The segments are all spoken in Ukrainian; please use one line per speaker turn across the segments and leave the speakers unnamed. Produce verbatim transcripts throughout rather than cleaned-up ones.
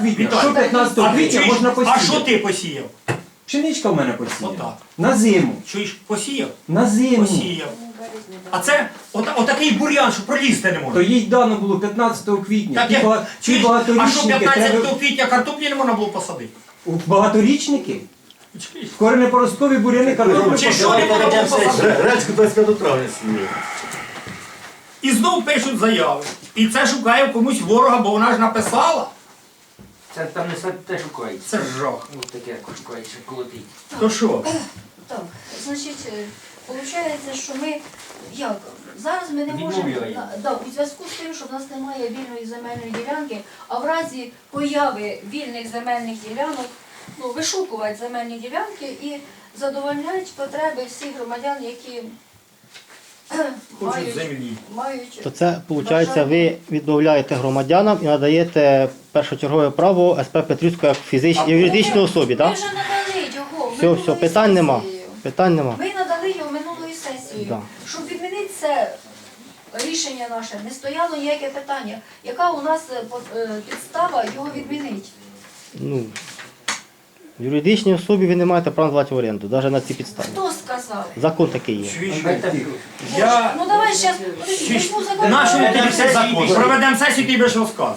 квітня.
Віталій,
Що п'ятнадцятого
А ти
квітня
чуєш,
можна
а
посіяти?
що ти посіяв?
Пшеничка в мене посіяна.
Отак.
На зиму.
Чуєш, посіяв?
На зиму.
Посіяв. А це от, отакий бур'ян, що пролізти не
То
можна.
їй дано було п'ятнадцятого квітня.
Так,
Ті
я,
ба- ті
чуєш, а що
багаторічники
п'ятнадцятого
треба...
квітня картоплі не можна було посадити?
У багаторічники?
Чуєш?
Коренепоросткові буряни картоплю
Чи що
посадили.
не можна було посадити?
Гречку двадцять п'ятого травня сніє.
І знов пишуть заяви. І це шукає комусь ворога, бо вона ж написала.
Це там не те шукається.
Це ж жах.
Ось таке шукається, колотить.
То що?
Так, значить, виходить, що ми, як, зараз ми не можемо,
Відмовляємо.
на- да, у зв'язку з тим, що в нас немає вільної земельної ділянки, а в разі появи вільних земельних ділянок, ну, вишукувати земельні ділянки і задовольняють потреби всіх громадян, які
Хочуть
мають,
землі.
мають
То це, виходить,
бажання.
ви відмовляєте громадянам і надаєте першочергове право ес пе Петрівську як фізичній юридичній особі,
Ми
так?
вже надали його
Все,
минулою
все, питань нема.
сесією.
Питань нема.
Ми надали його минулою сесією.
Да.
Щоб відмінити це рішення наше, не стояло ніяке питання. Яка у нас е, по- е, підстава його відмінити?
Ну, юридичній особі ви не маєте права здавати в оренду, навіть на ці підстави.
Хто сказав?
Закон такий є.
Чуєш?
Тихо.
Я...
Ну давай зараз,
Чуєш?
візьму закон.
Нашому
Бо
тобі все закон. Проведемо сесію, ти будеш розказувати.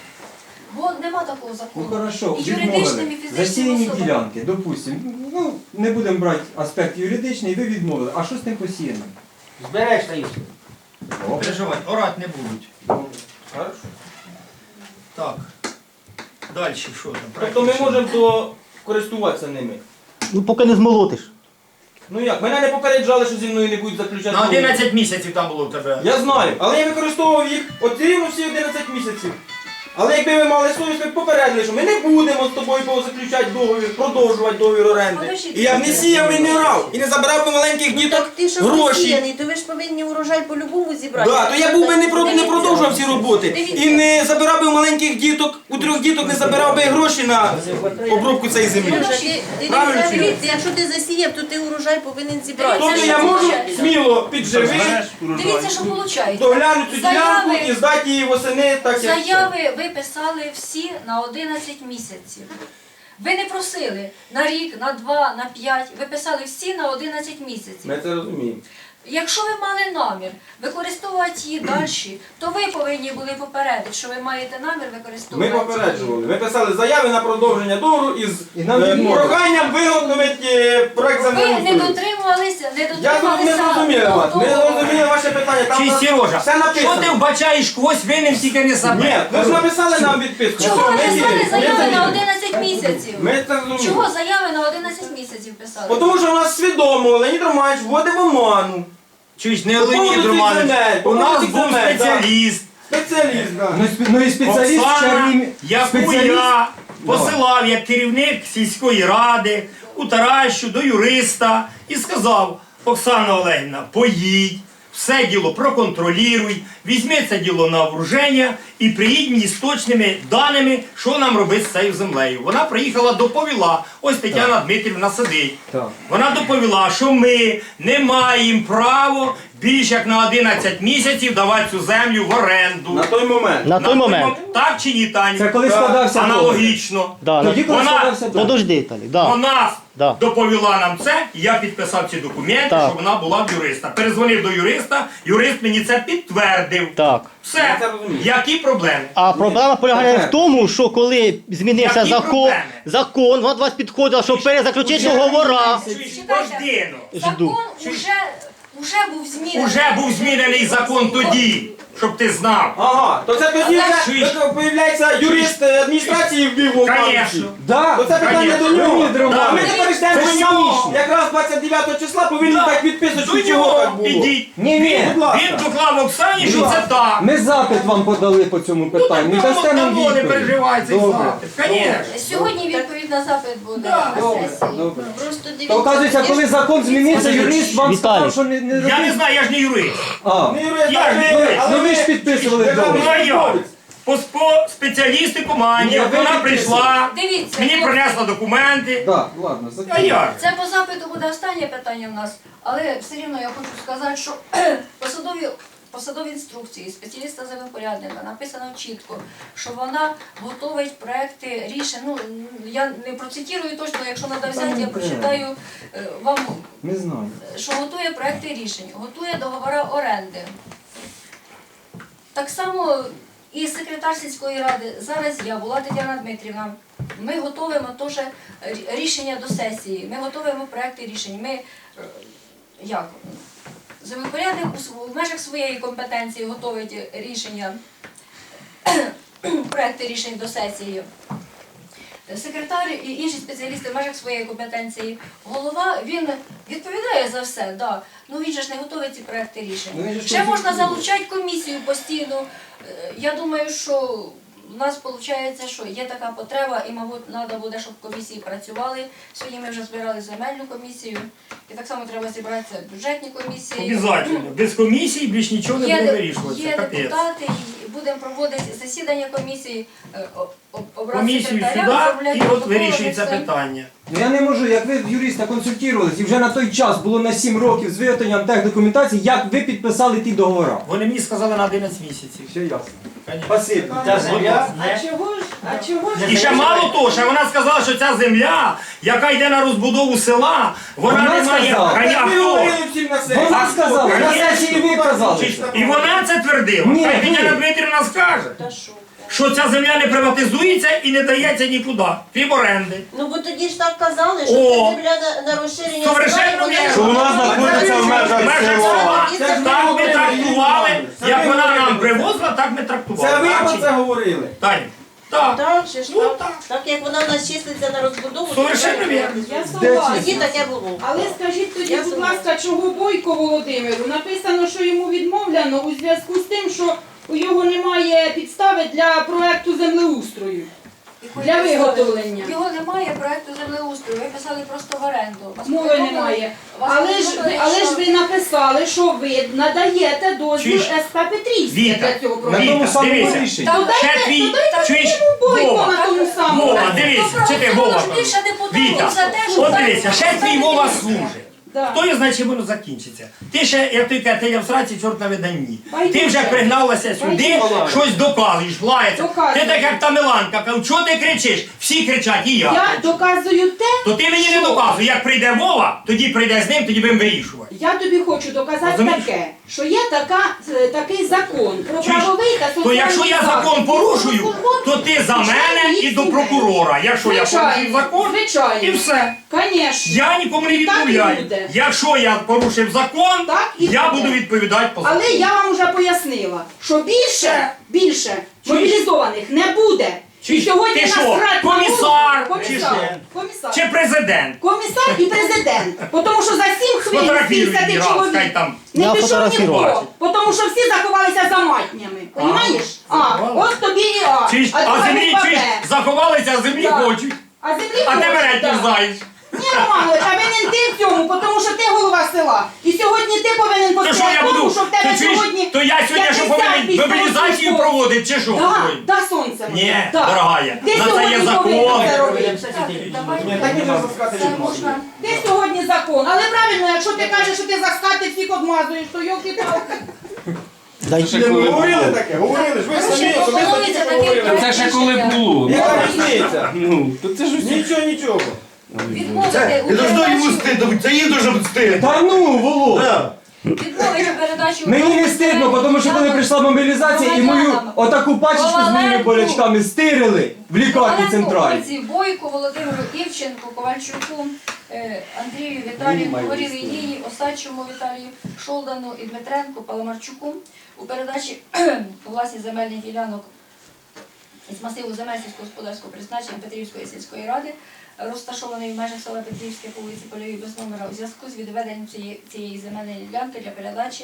нема такого
Ну
закону.
хорошо,
І юридичним, і
відмовили.
фізичним
Засіяні
особам.
ділянки, допустимо. Ну, не будемо брати аспект юридичний, ви відмовили. А що з тим посіяним?
Збереш та і все.
Переживай, орати не будуть.
Хорошо.
Так. Далі що там?
Тобто ми можемо то користуватися ними.
Ну, поки не змолотиш.
Ну як, мене не попереджали, що зі мною не будуть заключати.
На
договір.
одинадцять місяців там було в тебе.
Я знаю, але я використовував їх от рівно всі одинадцять місяців. Але якби ви мали совість, ви б попередили, що ми не будемо з тобою заключати договір, продовжувати договір оренди.
Подождіть.
І я б не сіяв і не рав, і не забирав би маленьких діток
Так ти що
гроші.
посіяний, то ви ж повинні урожай по-любому зібрати.
Да, то я був би не, про, не продовжував ці роботи.
Дивіться.
І не забирав би у маленьких діток, у трьох діток не забирав би гроші на обробку цієї землі.
Сережа, ти- ти
Правильно
дивіться,
чи ні?
дивіться, якщо ти засіяв, то ти урожай повинен зібрати.
Тобто
Це
я
що
можу
виходить?
сміло підживити,
Дивіться, що виходить.
доглянути цю ділянку
Заяви-
і здати її восени так, як.
Заяви ви писали всі на одинадцять місяців. Ви не просили на рік, на два, на п'ять. Ви писали всі на одинадцять місяців.
Ми це розуміємо.
Якщо ви мали намір використовувати її далі, то ви повинні були попередити, що ви маєте намір
Ми
використовувати.
попереджували. Ми писали заяви на продовження договору із
І нам
е,
відмовили.
проханням виготовити е, проект
Ви не
землеустрою.
дотримувалися, не
Я тут
дотрималися.
не зрозуміла вас, не
того.
зрозуміла ваше питання. Там
Чи
на-
Сережа,
все
що
написано.
ти вбачаєш когось винним, тільки не себе?
Ні, ви ж написали нам відписку.
Чого
Все,
ви
ми
писали
віримо, ми
заяви на
віримо.
одинадцять місяців?
Ми це розуміємо.
Чого заяви на одинадцять місяців писали?
Тому що у нас свідомо Леонід Романович вводив в оману.
Чуєш, не
По поводу
Леонід
цих
Романович,
земель, по
у нас
поводу цих
був
земель, да.
спеціаліст.
Спеціаліст, так.
Ну, і спе- ну і спеціаліст
Оксана,
чарівний.
яку
Спеціаліст.
я посилав як керівник сільської ради у Таращу до юриста і сказав: Оксана Олегівна, поїдь, все діло проконтролюй, візьми це діло на вооруження і приїдь мені з точними даними, що нам робити з цією землею. Вона приїхала, доповіла, ось Тетяна Дмитрівна сидить.
Так.
Вона доповіла, що ми не маємо права більш як на одинадцять місяців давати цю землю в оренду.
На той момент.
На той момент.
Так чи ні, Таня?
Це коли
Так.
складався договір.
Аналогічно.
Да,
Тоді,
на...
коли
Вона-
складався договір.
Подожди, Віталій, да.
Вона
Да.
доповіла нам це, і я підписав ці документи,
Так.
що вона була в юриста. Перезвонив до юриста, юрист мені це підтвердив.
Так.
Все.
Я це розумію.
Які проблеми?
А проблема полягає
Тепер.
в тому, що коли змінився
Які
закон,
проблеми?
закон, вона до вас підходила, щоб перезаключити договора.
Чуєш,
Чекайте.
Бождино.
Жду.
Закон уже, уже був змінений.
Уже був змінений закон тоді, щоб ти знав.
Ага, то це тоді
Чуєш?
вже появляється юрист е, адміністрації в Львові.
Конечно.
Да.
То це питання
Конечно.
до нього.
Леонід Романович.
Ми тепер йдемо
Це
до
ж
нього.
смішно.
Якраз двадцять дев'ятого числа повинні
Да.
так відписати,
До
що чого так
нього
було.
ідіть.
Ні, ні.
Будь ласка.
Він доклав Оксані, що це так.
Ми запит вам подали по цьому питанню. Не дасте нам
Тому не
відповідь.
переживай цей
Добре.
запит. Конечно.
Сьогодні відповідь на запит буде
Да.
на
Добре,
сесії.
добре.
Просто дивіться.
То, оказується, коли закон змінився, юрист вам
Віталій.
сказав, що не, не
Я не
робіть.
знаю, я ж не юрист.
А,
Не юрист,
Я
але
ж не
ви-
юрист.
але
ну ви ж підписували
державний
договір.
Ну, а я?
службовець.
По, по спеціалісти команді,
Ні, ви
вона
підписуєте.
прийшла,
Дивіться,
мені
ну,
принесла документи.
так, ладно,
А
закінчуємо.
як?
Це по запиту буде останнє питання в нас, але все рівно я хочу сказати, що посадові посадовій інструкції спеціаліста землепорядника написано чітко, що вона готовить проекти рішень. Ну, я не процитую точно, якщо треба взяти, я прочитаю е, вам,
Не знаю.
що готує проекти рішень, готує договори оренди. Так само і секретар сільської ради, зараз я, була Тетяна Дмитрівна, ми готуємо теж рішення до сесії, ми готуємо проекти рішень. Ми, е, як, землепорядник у- в межах своєї компетенції готовить рішення, проекти рішень до сесії. Секретар і інші спеціалісти в межах своєї компетенції. Голова, він відповідає за все, да. Ну він же ж не готовий ці проекти рішень.
Ну, він же ж
Ще можна
консультує.
залучати комісію постійно. Е, Я думаю, що у нас виходить, що є така потреба, і, мабуть, треба буде, щоб комісії працювали. Сьогодні ми вже збирали земельну комісію, і так само треба зібратися бюджетні комісії.
Обязательно. Без комісії більш нічого не буде
Є,
вирішуватися.
є
Капець.
депутати, і будемо проводити засідання комісії, е, о- о- обрати
Комісію
секретаря,
сюди,
оформляти
і от
протоколи,
вирішується
все.
питання.
Ну я не можу, як ви юриста консультувалися, і вже на той час було на сім років з виготовленням техдокументації, як ви підписали ті договори.
Вони мені сказали на одинадцять місяців.
Все ясно.
Конечно.
Спасибо.
Та земля
А
не
чого ж? А чого ж?
І ще мало того, що вона сказала, що ця земля, яка йде на розбудову села, вона,
Вона
не має.
сказала.
Ханя,
Так ви
хто?
говорили всім на сесії.
Вона сказала, на
Конечно.
сесії ви казали.
І вона це твердила.
Ні,
Хай
ні.
Тетяна Дмитрівна скаже,
Та що?
що ця земля не приватизується і не дається нікуди, крім оренди.
Ну бо тоді ж так казали, що
О!
це земля на, на розширення
Совершенно
села, і
вірно.
Що вона знаходиться в межах
Межах
села.
села.
Це ж
Так ми
говорили.
трактували,
Це
як
ви
вона
говорили.
нам привозила, так ми трактували.
Це ви
Так
про
чи
це
ні?
говорили.
Таня, так.
Так, ще ж
Ну,
так.
так.
Так як вона в нас числиться на розбудову,
Совершенно
то
вірно.
Я
Де
согласна.
тоді таке було.
Але скажіть тоді,
Я
будь
согласна.
ласка, чого Бойко Володимиру? Написано, що йому відмовлено у зв'язку з тим, що у його немає підстави для проекту землеустрою. Для виготовлення.
Його немає проекту землеустрою, ви писали просто в оренду. Вас
Мови
повідомили-
немає.
вас
Але ж,
повідомили,
ви- але
що-
ж ви написали, що ви надаєте дозвіл
Чуєш?
ес пе Петрівське
Віта,
для цього
На
проекту.
тому
Віта,
самому
дивися.
рішенні.
Та
дайте-
Ще твій,
то дайте
чуєш,
Бойко
Вова,
на тому самому.
Вова, дивись,
Ну,
чи ти
просто
Вова?
ж більше депутатів
Віта,
за те, що
от
так
дивися, ще
поставити
твій Вова
місце.
служить.
Да.
Хто його знає, чим воно закінчиться? Ти ще, як ти кажеш, ти я в сраці, чорт на виданні.
Байдуже.
Ти вже пригналася сюди,
Байдуже.
щось доказуєш, лається.
Доказую.
Ти так як та Миланка, кажу, чого ти кричиш? Всі кричать, і я.
Я
кричу.
доказую те,
То ти мені не
що-
доказуй, як прийде Вова, тоді прийде з ним, тоді будемо вирішувати.
Я тобі хочу доказати
Розумієш?
таке, що є така, е, такий закон про
Чуєш?
правовий та соціальний
То якщо я закон
захист
порушую,
військовослужбовців
то ти за
і
мене
членів
і
їх
до
сімей.
прокурора. Якщо я порушую
Звичайно,
закон,
звичайно.
і все.
Конечно.
Я нікому не
І так і
відмовляю.
буде.
Якщо я порушив закон,
Так і
я
буде.
буду відповідати по закону.
Але я вам вже пояснила, що більше, більше
Чуєш?
мобілізованих не буде.
Чуєш?
І сьогодні
Ти що,
насрать на
комісар?
голову.
Чи
Комісар.
що?
Комісар.
Чи президент?
Комісар і президент. Тому що за сім хвилин
Сфотографіруй
п'ятдесят
мені раз, хай
чоловік
там.
не
Я
пішов
фотографірував.
ніхто. Тому що всі заховалися за матнями. Понімаєш? А,
заховали?
от тобі і А.
Чуєш?
А
А
друга
землі
буква
чуєш,
Б.
заховалися, а землі
Так.
хочуть.
А землі
А ти
хочуть,
мене
так.
не знаєш.
Ні, Романович, а винен ти в цьому, тому що ти голова села. І сьогодні ти повинен
То що
постояти
я
в тому,
буду?
що в
Ти
тебе
чуєш?
сьогодні
То я сьогодні що повинен мобілізацію проводити, чи що?
Да,
повинен?
да, сонце. моє,
Ні,
да.
дорогая,
Ти
на це
сьогодні
є
повинен
закон.
це робити.
Так, давайте.
Ні, так можна заскати
Це
від
можна.
Ти сьогодні закон. Але правильно, якщо ти кажеш, що ти за скати всіх обмазуєш, то йолки-палки.
Дайте.
Ні, ну, говорили таке, говорили ж, ви самі
Ще
особисто
пропонується
тільки
такий
говорили.
проект
Це ще коли
рішення.
було.
Яка різниця?
Ну, то це ж усі.
Нічого, нічого.
Відмовити у
Це должно йому
передачі,
стидно, це їм дуже стидно.
Та ну, Володя!
Да.
відмовити передачу.
Мені не стидно, тому що коли прийшла мобілізація і мою отаку пачечку з моїми болячками стирили в лікарні центральній.
Вулиці Бойко, Володимиру Івченку, Ковальчуку, е, Андрію Віталію, Горілій Ніні, Осадчому Віталію, Шолдану і Дмитренку, Паламарчуку у передачі власні земельних ділянок із масиву земель сільськогосподарського призначення Петрівської сільської ради, розташований в межах села Петрівське по вулиці Польовій без номера, у зв'язку з відведенням цієї, цієї земельної ділянки для передачі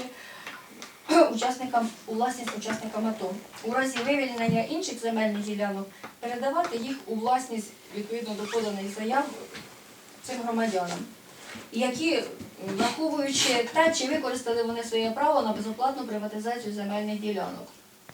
учасникам у власність учасникам АТО. У разі вивільнення інших земельних ділянок передавати їх у власність відповідно до поданих заяв цим громадянам, які, враховуючи те, чи використали вони своє право на безоплатну приватизацію земельних ділянок.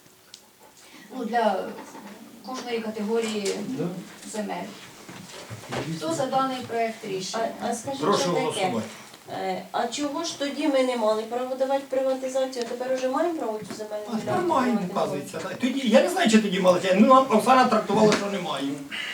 Ну, для кожної категорії земель. Хто за даний проект рішення?
А, а скажіть,
Прошу
що таке?
голосувати.
Е, А чого ж тоді ми не мали право давати приватизацію, а тепер уже маємо право цю земельну ділянку
Нормально,
приватизувати?
вказується. Тоді, я не знаю, чи тоді мали. Ну, нам Оксана трактувала, що немає.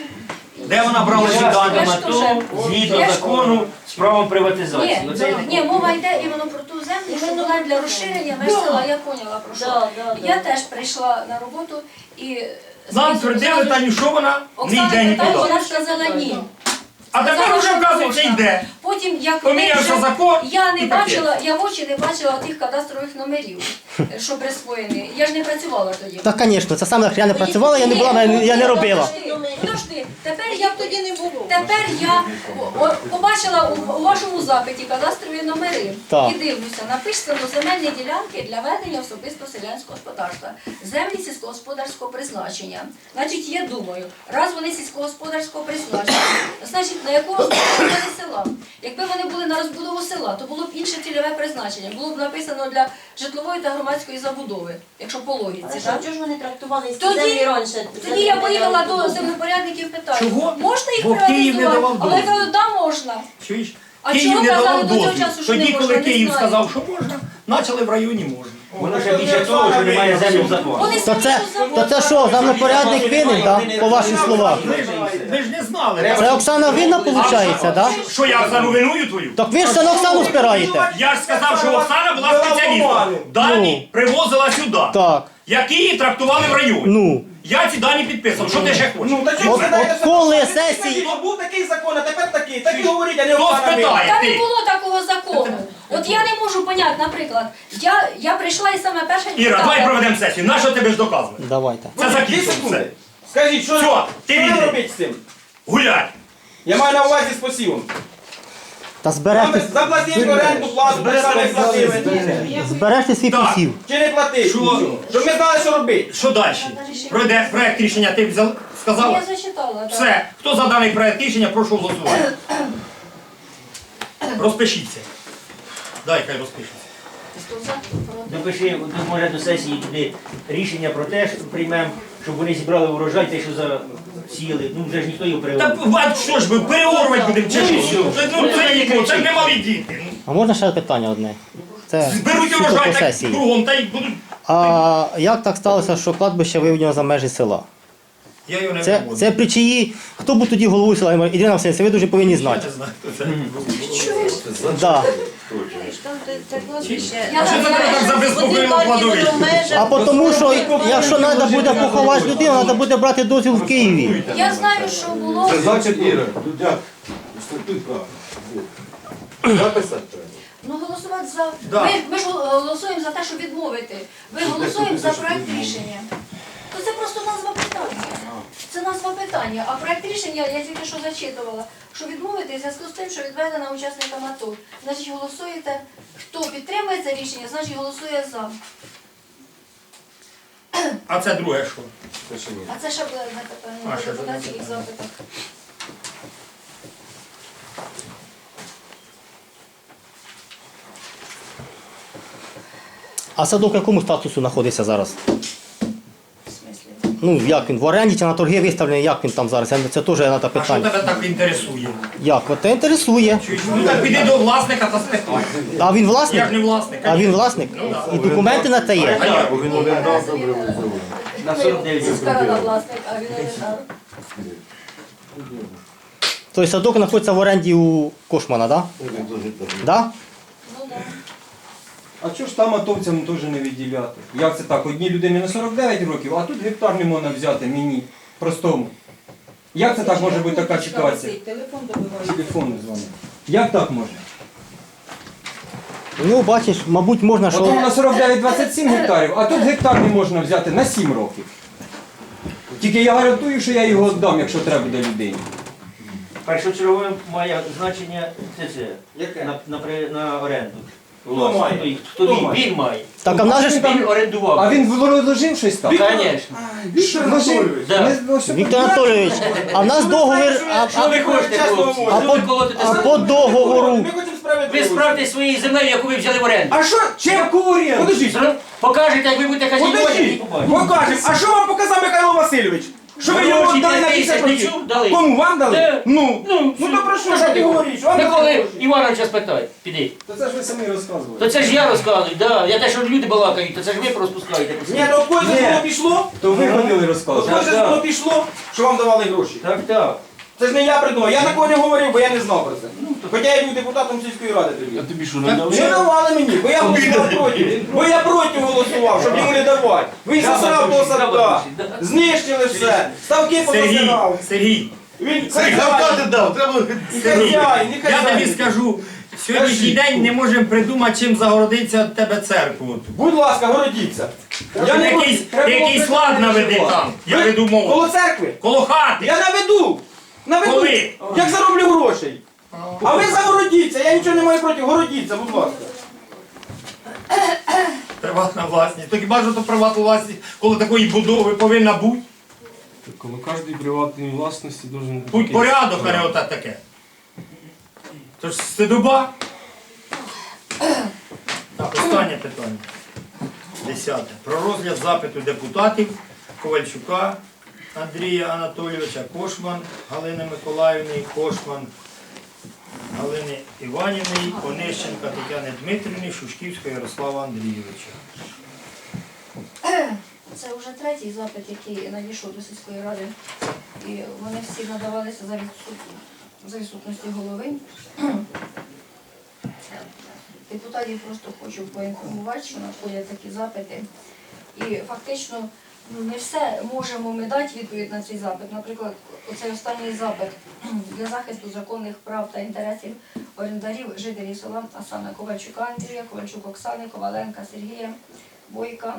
Де вона брала ці дані?
Я ж
на
теж-
то, згідно
я ж-
закону, з правом приватизації.
Ні,
Оце
ні, мова йде іменно про ту землю, що була для розширення меж села, я поняла про що.
Да, да, да.
Я теж прийшла на роботу і
Нам твердили, Таню, що вона не
Оксана
йде
питала,
нікуди.
вона сказала ні.
А тепер
Сказала,
вже,
що
вказується,
можна.
йде.
Потім, як
Помінявся
ми вже-
закон,
я не
і таке.
бачила, я в очі не бачила тих кадастрових номерів, що присвоєні. Я ж не працювала тоді.
Так, звісно, це саме я не працювала, я не була, я не робила.
Подожди, подожди, тепер я
Як тоді не було?
Тепер я о, о, побачила у, у вашому запиті кадастрові номери
Так.
і дивлюся, написано земельні ділянки для ведення особисто селянського господарства, землі сільськогосподарського призначення. Значить, я думаю, раз вони сільськогосподарського призначення, значить, на яку розбудову вони села? Якби вони були на розбудову села, то було б інше цільове призначення. Було б написано для житлової та громадської забудови, якщо по логіці.
Але
так?
чого ж вони трактували ці
Тоді-
землі раніше?
Тоді я поїхала до землепорядників, питаю,
Чого?
можна їх
Бо Київ не
приватизувати?
давав
Але я
дозволу.
кажу, да, можна.
Чуєш?
А
Київ
чого
не
казали
давав
до цього
дозвіл.
часу, що не
Тоді,
можна,
коли
не
Київ
знаю.
сказав, що можна, почали в районі можна.
Воно ще більше того, що немає землі в законі.
Вони
То
самі
це,
що
то це що, землепорядник винен, да? По ваших словах?
Ви ж, ви ж не знали.
Це Оксана винна, виходить, да?
Що я Оксану виную твою?
Так ви ж це на Оксану спираєте.
Я ж сказав, що Оксана була спеціалістом. Дані привозила сюди.
Так,
Які її трактували в районі.
ну.
Я ці дані підписав. Що ти ще хочеш?
Ну, та чого
От-
ви даєте
от коли
це?
сесії-
От був такий закон, а тепер такий. Так і говоріть, а не
Хто
Оксана
спитає?
винна.
Та
Ти.
не було такого закону. От я не можу поняти, наприклад, я, я прийшла і саме перша
Іра, давай проведемо сесію. На що тебе ж доказувати?
Давайте.
Це
Дві
закінчено.
секунди.
Все.
Скажіть, що,
Все, ти
що
відійди.
робити з цим?
Гулять.
Я маю на увазі з посівом.
Та
Там
збережте,
заплатіть оренду, плату, ми самі платили.
збережте свій
Так.
посів.
Чи не платить?
Що?
Нічого. Щоб ми знали, що робити.
Що далі? Пройде проект рішення, ти взяв,
Я
сказала?
зачитала. так.
Все. Хто за даний проект рішення, прошу голосувати. Розпишіться. Дай, хай розпишеться.
Хто за? Проти?
Допиши, може до сесії туди рішення про те, що приймемо, щоб вони зібрали урожай, те, що засіяли. Ну вже ж ніхто його
Та
переорав.
а що ж ми переорвати будемо чи що? Це, ну, це, ніхто, це ж не малі діти.
А можна ще питання одне? Це
Зберуть
суто
урожай
по
так
сесії.
кругом, та й будуть.
А як так сталося, що кладбище виведено за межі села?
Я його не
Це,
виводжу.
це при чиї? Хто був тоді головою села? Ірина Васильівна, ви дуже повинні
Я
знати.
не знаю, хто це.
Да.
Там це- це кладбище.
Я
А що це
знаю,
тебе так забезпокоїло
Один
кладовище?
парк, воно в межах.
А по тому, що якщо треба буде поховати людину, треба буде брати дозвіл в Києві.
Я знаю, що було.
Значить, Іра, Дудяк, статут правильно. Записати треба.
Ну, голосувати за.
Да.
Ми, ми ж голосуємо за те, щоб відмовити. Ми голосуємо за проект рішення. То це просто назва питання. Це назва питання. А проект рішення я тільки що зачитувала, що відмовити в зв'язку з тим, що відведена учасникам АТО. Значить, голосуєте, хто підтримує це рішення, значить голосує за.
А це друге що?
Це ще ні.
А це ще буде на
А,
питання
ще
по депутатських запитах.
А садок в якому статусу знаходиться зараз?
В смислі?
Ну, як він, в оренді чи на торги виставлений, як він там зараз? Це теж треба
А що
питання.
тебе так інтересує?
Як? От це інтересує.
Чуєш? Ну так піди до власника та спитай.
А він власник?
Я ж не власник.
А він власник? І документи на те є?
А я?
Бо він орендав добре визовує.
На сорок дев'ять
Сільська власник, а він орендар.
Той садок знаходиться в оренді у Кошмана, так? Да? Да?
Ну, да.
А чого ж там атовцям теж не відділяти? Як це так? Одній людині на сорок дев'ять років, а тут гектар не можна взяти мені, простому. Як це так може бути така ситуація?
Телефон добиває.
Телефон дзвонить. Як так може?
Ну, бачиш, мабуть, можна,
От воно
що...
на сорок дев'ять двадцять сім гектарів, а тут гектар не можна взяти на сім років. Тільки я гарантую, що я його віддам, якщо треба буде людині.
Першочергове має значення це це.
Яке?
На, на, при- на оренду.
Хто має?
Хто, хто
Хто
він?
має?
Він має.
Так, а в нас же ж...
Він орендував.
А він вложив щось там?
Звісно.
Віктор Анатолійович.
Да.
Ми- ну, що
Віктор Анатолійович, а в нас договір... А,
Що ви хочете, хлопці?
а,
Що ви
по,
колотите
а
себе?
по договору...
Ми хочемо
Ви
справедливості.
справте своєю землею, яку ви взяли в оренду.
А що? Чим?
Яку оренду?
Подождіть.
Зро- Покажете, як ви будете хазяйнувати, і
Подождіть.
побачите.
Покажемо. А що вам показав Михайло Васильович? Що ви його
Гроші
дали на
п'ять
десять
тисяч, не
років?
чув? Дали.
Кому вам дали?
Де?
Ну,
Ну,
ну то про що
ну,
ж ти
ти
говориш? Вам дали
Миколи
гроші?
Івановича спитай, піди.
То це ж ви самі розказували.
То це ж я розказую, да. Я те, що люди балакають, то це ж ви розпускаєте.
Ні, то от кое
Ні.
воно пішло,
То ви ходили
от
розказувати.
кое
так.
воно пішло, що вам давали гроші.
Так, так.
Це ж не я придумав, я такого не говорив, бо я не знав про це. Хоча я був депутатом сільської ради тоді.
тобі що,
Не давали мені, бо я голосував проти. Бо я проти голосував, щоб йому не давати. Він засрав того садка, знищили все, ставки
Сергій,
позасирав.
Сергій,
Він
Хай
хазяїн,
зарплати дав, треба...
і хазяїн, і
я тобі
хазяїн.
скажу, сьогоднішній день не можемо придумати, чим загородиться від тебе церкву.
Будь ласка, городіться. Я не
Якийсь,
треба було
якийсь лад
придумати,
наведи
що
там, я
Ви
веду мову.
Коло церкви?
Коло хати.
Я наведу. Наведу.
Коли?
Як зароблю грошей. А ви загородіться, я нічого не маю проти, городіться, будь ласка.
Приватна власність. То хіба ж то приватна власність, коли такої будови повинна бути?
Коло кожної приватної власності должен бути
Будь порядок, а не ота таке. Тож стидоба. Так, останнє питання. Десяте. Про розгляд запиту депутатів Ковальчука Андрія Анатолійовича, Кошман Галини Миколаївни, Кошман Галини Іванівни, Онищенка Тетяни Дмитрівни, Шушківського Ярослава Андрійовича.
Це вже третій запит, який надійшов до сільської ради. І вони всі надавалися за, відсут... за відсутності голови. Депутатів просто хочу поінформувати, що надходять такі запити. І фактично ну, не все можемо ми дати відповідь на цей запит. Наприклад, оцей останній запит для захисту законних прав та інтересів орендарів жителів села, а саме Ковальчука Андрія, Ковальчук Оксани, Коваленка Сергія, Бойка,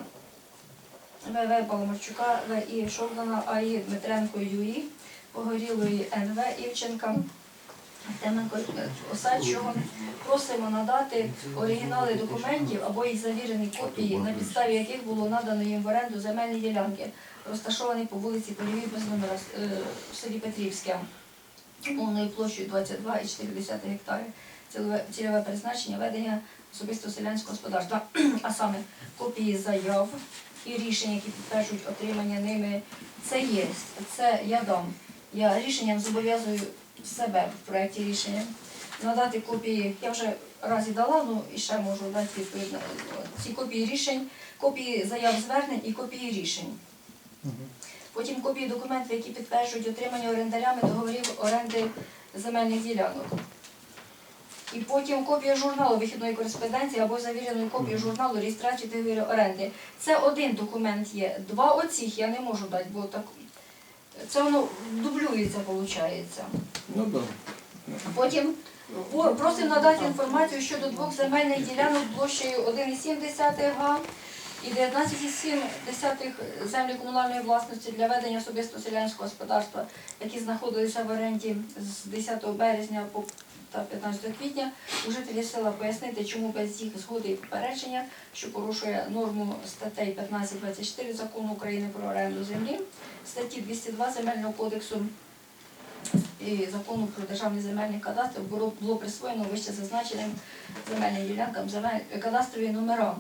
В В Паламарчука, В І Шовдана, А І Дмитренко Юї, Погорілої Н В Івченка, Теменко Осадчого. Просимо надати оригінали документів або їх завірені копії, на підставі яких було надано їм в оренду земельні ділянки, розташовані по вулиці Полівій без номера е, в селі Петрівське, умовною площею двадцять два і чотири десятих гектари. Цільове, цільове призначення ведення особисто селянського господарства, а саме копії заяв і рішень, які підтверджують отримання ними. Це є, це я дам. Я рішенням зобов'язую себе в проєкті рішення надати копії, я вже раз і дала, ну і ще можу дати відповідь на ці копії рішень, копії заяв звернень і копії рішень. Потім копії документів, які підтверджують отримання орендарями договорів оренди земельних ділянок. І потім копія журналу вихідної кореспонденції або завіреної копії журналу реєстрації договорів оренди. Це один документ є. Два оцих я не можу дати, бо так це воно дублюється, виходить.
Ну так.
Потім по- просимо надати інформацію щодо двох земельних ділянок площею один цілих сім десятих га і дев'ятнадцять цілих сім десятих землі комунальної власності для ведення особисто селянського господарства, які знаходилися в оренді з десятого березня по та п'ятнадцятого квітня. У жителів села пояснити, чому без їх згоди і попередження, що порушує норму статей п'ятнадцять двадцять чотири Закону України про оренду землі, статті двісті два Земельного кодексу і Закону про державний земельний кадастр було, було присвоєно вище зазначеним земельним ділянкам земель, кадастрові номера.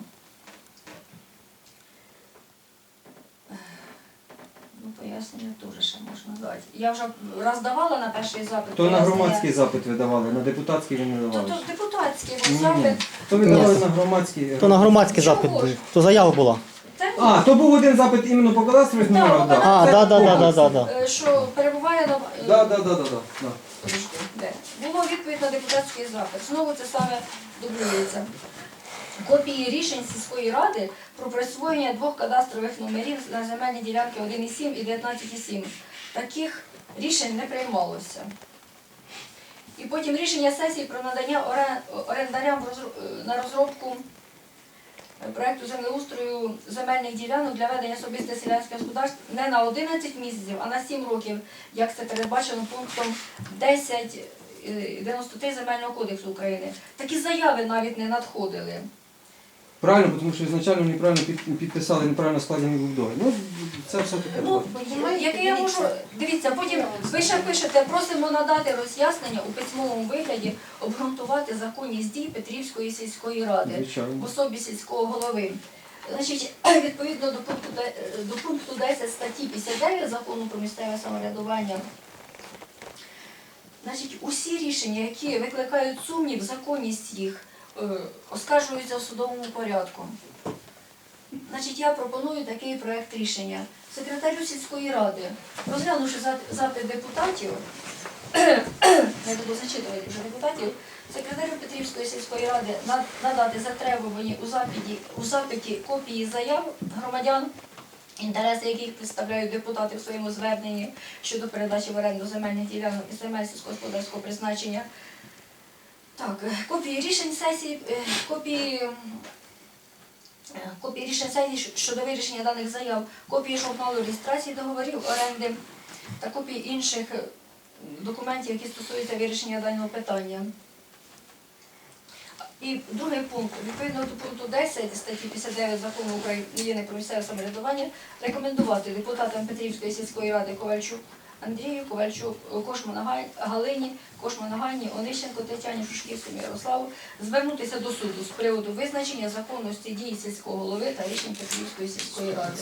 Ну, пояснення теж ще можна дати. Я вже раз давала на перший запит.
То на
пояснення.
громадський запит ви давали, на депутатський ви не
То,
давали.
то депутатський був
Ні, ні.
запит.
То ви давали на громадський.
То на громадський запит
Чого
був.
ж?
То заява була.
Це,
А, то був один запит іменно по кадастрових
Так,
номерах,
по
так.
А,
Це
да, да, да, да,
комплекс.
да, да.
е, що перебуває на...
Да, да, да, да, да, да.
Подожди, де? Було відповідь на депутатський запит. Знову це саме дублюється. Копії рішень сільської ради про присвоєння двох кадастрових номерів на земельні ділянки один цілих сім і дев'ятнадцять цілих сім. Таких рішень не приймалося. І потім рішення сесії про надання орен- орендарям в розру- на розробку проекту землеустрою земельних ділянок для ведення особисте селянське господарство не на одинадцять місяців, а на сім років, як це передбачено пунктом десять дев'яносто три Земельного кодексу України. Такі заяви навіть не надходили.
Правильно, тому що ізначально неправильно під- підписали, неправильно складений був договір. Ну, це все таке.
Ну, яке я можу, дивіться, потім ви ще пишете, просимо надати роз'яснення у письмовому вигляді, обґрунтувати законність дій Петрівської сільської ради
Звичайно.
в особі сільського голови. Значить, відповідно до пункту, де- до пункту десять статті п'ятдесят дев'ять Закону про місцеве самоврядування, значить, усі рішення, які викликають сумнів, законність їх, е, оскаржуються в судовому порядку. Значить, я пропоную такий проект рішення. Секретарю сільської ради, розглянувши за- запит депутатів, не буду зачитувати вже депутатів, секретарю Петрівської сільської ради на- надати затребувані у запиті, у запиті копії заяв громадян, інтереси яких представляють депутати в своєму зверненні щодо передачі в оренду земельних ділянок і земель сільськогосподарського призначення. Так, е, копії рішень сесії, е, копії, е, копії рішень сесії щодо вирішення даних заяв, копії журналу реєстрації договорів оренди та копії інших е, документів, які стосуються вирішення даного питання. І другий пункт. Відповідно до пункту десять статті п'ятдесят дев'ять Закону України про місцеве самоврядування рекомендувати депутатам Петрівської сільської ради Ковальчук Андрію, Ковальчук Кошману Гай- Галині, Кошману Ганні, Онищенко Тетяні, Шушківському Ярославу звернутися до суду з приводу визначення законності дій сільського голови та рішень Петрівської сільської ради.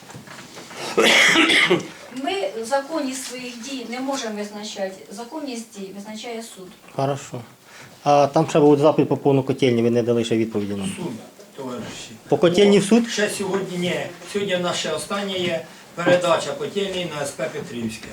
Ми законність своїх дій не можемо визначати. Законність дій визначає суд.
Хорошо. А там ще був запит по повну котельні, ви не дали ще відповіді нам.
Суд, товариші.
По котельні в суд?
Ще сьогодні ні. Сьогодні в нас ще остання є передача котельні на ес пе Петрівське.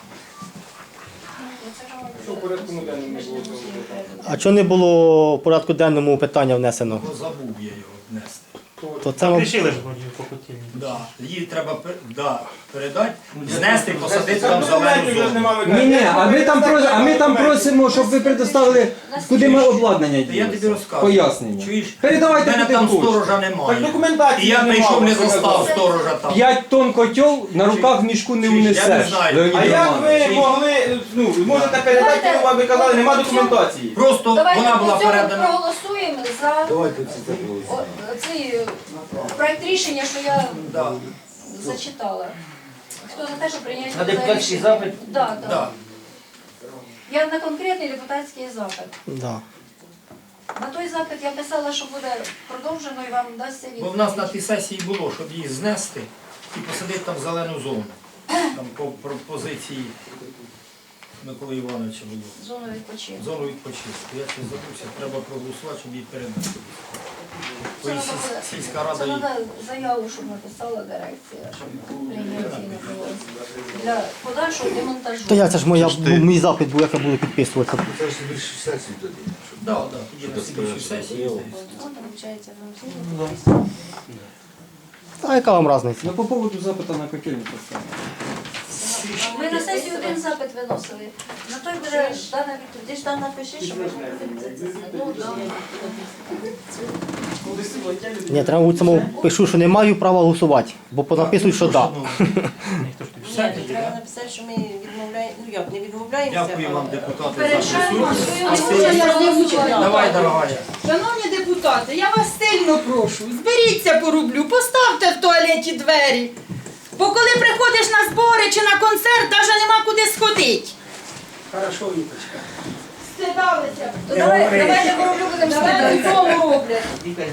Що в порядку денному не було цього питання?
А чого не було в порядку денному питання внесено?
Бо забув я його внести.
То це вам-
Рішили ж вроді по котельні.
Да. Її треба пер- да, передати, знести, посадити
Це
там
документів
зелену
вже ж
зону.
немає.
Ні, ні, а ми там просимо, а ми там просимо, щоб ви предоставили, куди ми обладнання
Та я тобі
ділися.
розказую.
Пояснення.
Чуєш?
Передавайте
У мене
куди
там
хочете.
сторожа немає.
Так документації
І я
немає,
прийшов, не
ви
застав
сказали.
сторожа там.
П'ять тонн котел на руках в мішку не
Чуєш, я не
внесеш.
знаю.
Леонід
А як
Романович.
ви могли, ну, можете передати, ну, ви казали, нема документації.
Просто
Давайте
вона була
при цьому
передана.
проголосуємо за
Давайте це заголосуємо.
о- цей е, проект рішення, що я
Да.
зачитала. Хто за те, що прийняти
На
це
депутатський
рішення?
запит?
Да, да.
Да.
Я на конкретний депутатський запит.
Да.
На той запит я писала, що буде продовжено і вам дасться
Бо
відповідь.
в нас на тій сесії було, щоб її знести і посадити там зелену зону. Там по пропозиції Миколи Івановича було.
Зону відпочинку.
Зону відпочинку. Я це забувся, треба проголосувати, щоб її передати. Бо
Це
і
треба
сіль-
буде-
сільська
Це
рада її.
треба заяву, щоб написала дирекція, щоб прийняті не було. Для подальшого демонтажу.
То я це ж моя, мій запит був, як я буду підписуватися.
Це ж більше сесії тоді. щоб-
Да, да, тоді на
щоб
слідчій
це
сесії.
було.
Ну, там, виходить, нам всі
А яка вам різниця?
Ну, по поводу запиту на котельню поставили.
Ми на сесію один запит виносили. На той буде дана відповідь. Ти ж там напиши, що ми ну, да.
Ні, треба у цьому пишу, що не маю права голосувати, бо понаписують, що да.
Все
Ні,
тоді,
треба
да?
написати, що ми відмовляємо, ну як, не відмовляємося.
Дякую вам, депутати, за
Перешаємо
присутність.
свою
А я не вчила.
Давай, дорогая.
Шановні депутати, я вас сильно прошу, зберіться по рублю, поставте в туалеті двері. Бо коли приходиш на збори чи на концерт, навіть нема куди сходити.
Хорошо, Віточка.
Стидалися.
То давай, давайте короблю будемо
Давай
слідувати.
додому роблять.